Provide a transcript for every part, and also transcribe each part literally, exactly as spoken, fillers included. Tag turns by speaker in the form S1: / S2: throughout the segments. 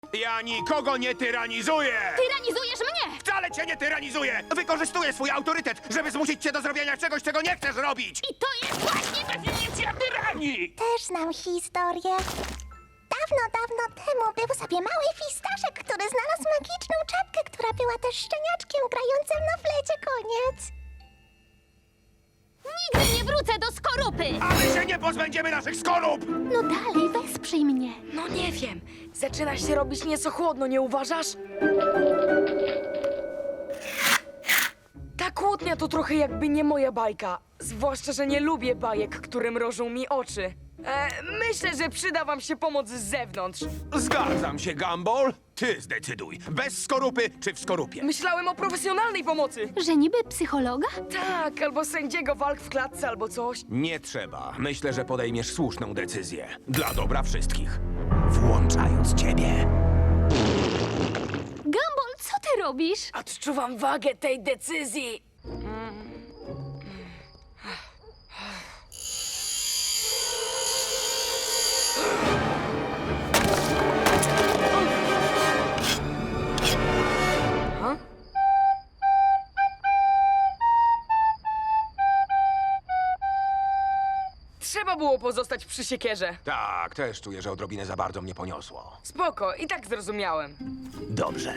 S1: Ja nikogo nie tyranizuję!
S2: Tyranizujesz mnie!
S1: Wcale cię nie tyranizuję! Wykorzystuję swój autorytet, żeby zmusić cię do zrobienia czegoś, czego nie chcesz robić!
S2: I to jest właśnie definicja tyranii!
S3: Też znam historię. Dawno, dawno temu był sobie mały fistaszek, który znalazł magiczną czapkę, która była też szczeniaczkiem grającym na flecie. Koniec.
S2: Nigdy nie wrócę do skorupy!
S1: A my się nie pozbędziemy naszych skorup!
S2: No dalej, wesprzyj mnie.
S4: No nie wiem. Zaczyna się robić nieco chłodno, nie uważasz? Ta kłótnia to trochę jakby nie moja bajka. Zwłaszcza, że nie lubię bajek, które mrożą mi oczy. E, myślę, że przyda wam się pomoc z zewnątrz.
S1: Zgadzam się, Gumball. Ty zdecyduj. Bez skorupy czy w skorupie?
S4: Myślałem o profesjonalnej pomocy.
S2: Że niby psychologa?
S4: Tak, albo sędziego walk w klatce, albo coś.
S1: Nie trzeba. Myślę, że podejmiesz słuszną decyzję. Dla dobra wszystkich. Włączając ciebie.
S2: Gumball, co ty robisz?
S4: Odczuwam wagę tej decyzji. Trzeba było pozostać przy siekierze.
S1: Tak, też czuję, że odrobinę za bardzo mnie poniosło.
S4: Spoko, i tak zrozumiałem.
S1: Dobrze.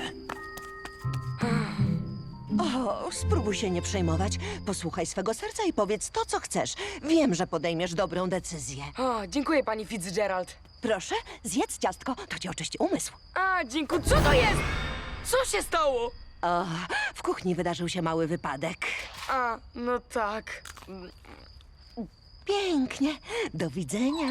S5: O, spróbuj się nie przejmować. Posłuchaj swego serca i powiedz to, co chcesz. Wiem, że podejmiesz dobrą decyzję.
S4: O, dziękuję, pani Fitzgerald.
S5: Proszę, zjedz ciastko, to ci oczyści umysł.
S4: A, dziękuję. Co to jest? Co się stało?
S5: O, w kuchni wydarzył się mały wypadek.
S4: A, no tak.
S5: Pięknie. Do widzenia.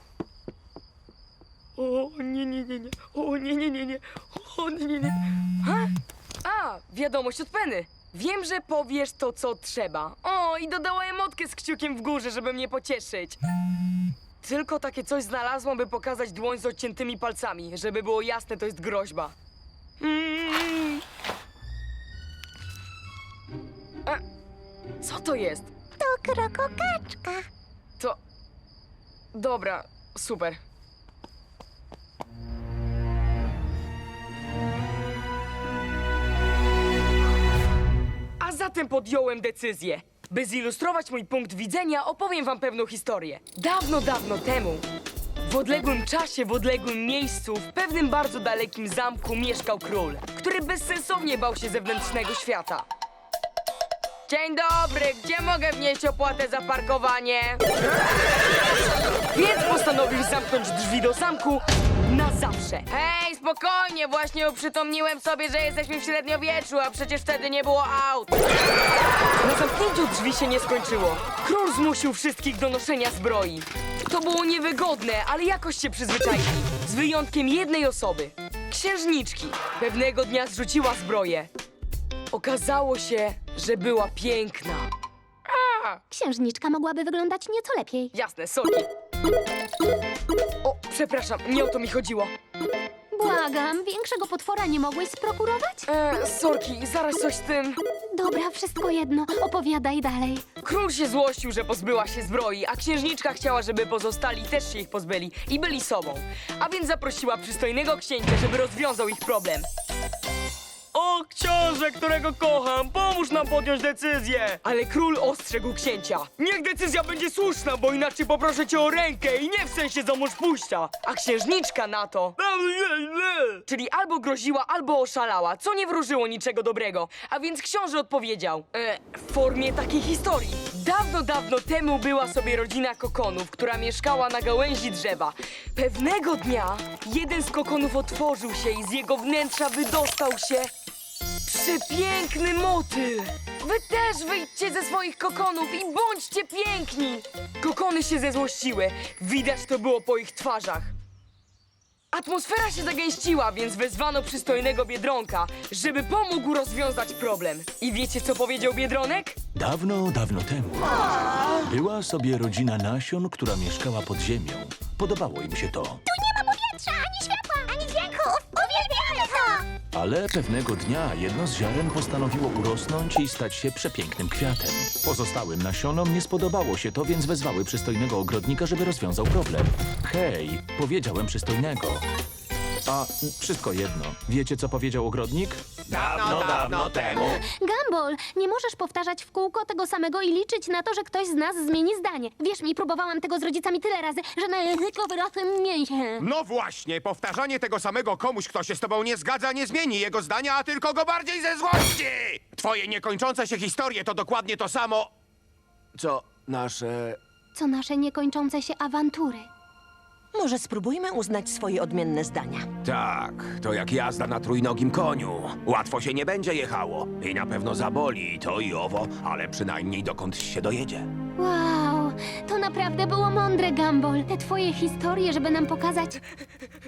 S4: O, nie, nie, nie, nie. O, nie, nie, nie, nie. O, nie, nie, nie. Ha? A, wiadomość od Penny. Wiem, że powiesz to, co trzeba. O, i dodała emotkę z kciukiem w górze, żeby mnie pocieszyć. Tylko takie coś znalazłam, by pokazać dłoń z odciętymi palcami. Żeby było jasne, to jest groźba. Mm. A, co to jest?
S3: To krokokaczka.
S4: To... Dobra, super. A zatem podjąłem decyzję. By zilustrować mój punkt widzenia, opowiem wam pewną historię. Dawno, dawno temu, w odległym czasie, w odległym miejscu, w pewnym bardzo dalekim zamku mieszkał król, który bezsensownie bał się zewnętrznego świata. Dzień dobry, gdzie mogę wnieść opłatę za parkowanie? Więc postanowił zamknąć drzwi do zamku na zawsze. Hej, spokojnie, właśnie uprzytomniłem sobie, że jesteśmy w średniowieczu, a przecież wtedy nie było aut. Na zamknięciu drzwi się nie skończyło. Król zmusił wszystkich do noszenia zbroi. To było niewygodne, ale jakoś się przyzwyczaili. Z wyjątkiem jednej osoby. Księżniczki. Pewnego dnia zrzuciła zbroję. Okazało się, że była piękna.
S2: Księżniczka mogłaby wyglądać nieco lepiej.
S4: Jasne, sorki. O, przepraszam, nie o to mi chodziło.
S2: Błagam, większego potwora nie mogłeś sprokurować?
S4: E, sorki, zaraz coś z tym.
S2: Dobra, wszystko jedno, opowiadaj dalej.
S4: Król się złościł, że pozbyła się zbroi, a księżniczka chciała, żeby pozostali też się ich pozbyli i byli sobą. A więc zaprosiła przystojnego księcia, żeby rozwiązał ich problem. O, książę, którego kocham, pomóż nam podjąć decyzję! Ale król ostrzegł księcia. Niech decyzja będzie słuszna, bo inaczej poproszę cię o rękę i nie w sensie za mąż pójścia. A księżniczka na to... Czyli albo groziła, albo oszalała, co nie wróżyło niczego dobrego. A więc książę odpowiedział. E, w formie takiej historii. Dawno, dawno temu była sobie rodzina kokonów, która mieszkała na gałęzi drzewa. Pewnego dnia jeden z kokonów otworzył się i z jego wnętrza wydostał się przepiękny motyl. Wy też wyjdźcie ze swoich kokonów i bądźcie piękni. Kokony się zezłościły. Widać to było po ich twarzach. Atmosfera się zagęściła, więc wezwano przystojnego Biedronka, żeby pomógł rozwiązać problem. I wiecie, co powiedział Biedronek?
S6: Dawno, dawno temu była sobie rodzina nasion, która mieszkała pod ziemią. Podobało im się to,
S3: Nie ma powietrza, ani światła, ani dźwięków. Uwielbiamy to.
S6: ale pewnego dnia jedno z ziaren postanowiło urosnąć i stać się przepięknym kwiatem. Pozostałym nasionom nie spodobało się to, więc wezwały przystojnego ogrodnika, żeby rozwiązał problem. Hej, powiedziałem przystojnego. A wszystko jedno. Wiecie, co powiedział ogrodnik?
S1: Dawno, dawno temu.
S2: Gumball, nie możesz powtarzać w kółko tego samego i liczyć na to, że ktoś z nas zmieni zdanie. Wierz mi, próbowałam tego z rodzicami tyle razy, że na języku wyrosłem mięsie.
S1: No właśnie, powtarzanie tego samego komuś, kto się z tobą nie zgadza, nie zmieni jego zdania, a tylko go bardziej ze złości! Twoje niekończące się historie to dokładnie to samo, co nasze...
S2: Co nasze niekończące się awantury.
S5: Może spróbujmy uznać swoje odmienne zdania.
S1: Tak, to jak jazda na trójnogim koniu. Łatwo się nie będzie jechało i na pewno zaboli i to i owo, ale przynajmniej dokądś się dojedzie.
S2: Wow, to naprawdę było mądre, Gumball. Te twoje historie, żeby nam pokazać...